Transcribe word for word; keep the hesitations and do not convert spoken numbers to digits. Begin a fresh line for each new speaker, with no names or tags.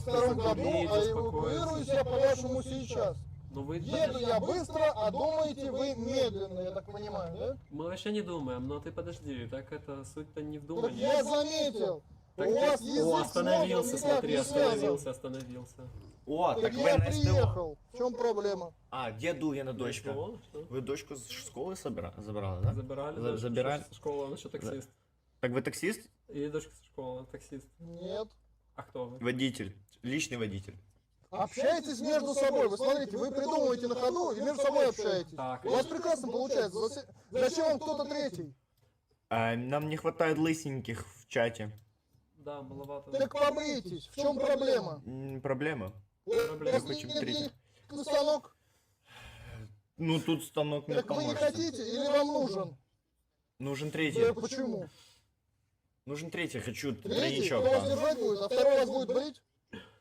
втором году,
Заберите,
а эвакуируюсь я по-вашему сейчас.
Ну вы...
Еду я быстро, а думаете вы медленно, я так понимаю, да?
Мы вообще не думаем, но ты подожди, так это суть-то не в
Так
думании.
я заметил.
Так
У
ты-
вас язык
О,
с
остановился,
мозгом никак
смотри,
не связан.
остановился, остановился.
О,
Так
так вы
я
на СТО.
приехал. В чем проблема?
А, где Дугина дочка?
Что? Что?
Вы дочку з школи собира... забрали, да?
Забирали,
За-
дочку
забирали?
со школы, он еще таксист.
Так вы таксист?
И дочка со школы, таксист.
Нет.
А кто вы?
Водитель. Личный водитель.
Общайтесь между собой. Вы смотрите, вы придумываете на ходу и между собой общаетесь.
Так.
У вас прекрасно получается. Засе- Зачем вам кто-то третий?
А, нам не хватает лысеньких в чате.
Да, маловато.
Так побритесь. В чем проблема?
М, проблема?
У
Проблема.
вас
Хотим
нет
третий.
денег на станок?
Ну тут станок не
Так вы не
поможет.
хотите или вам нужен?
Нужен
Да
третий.
почему?
Нужен третий, хочу
Третий?
тройничок.
Кто вас
да.
держать будет, а второй вас будет брить?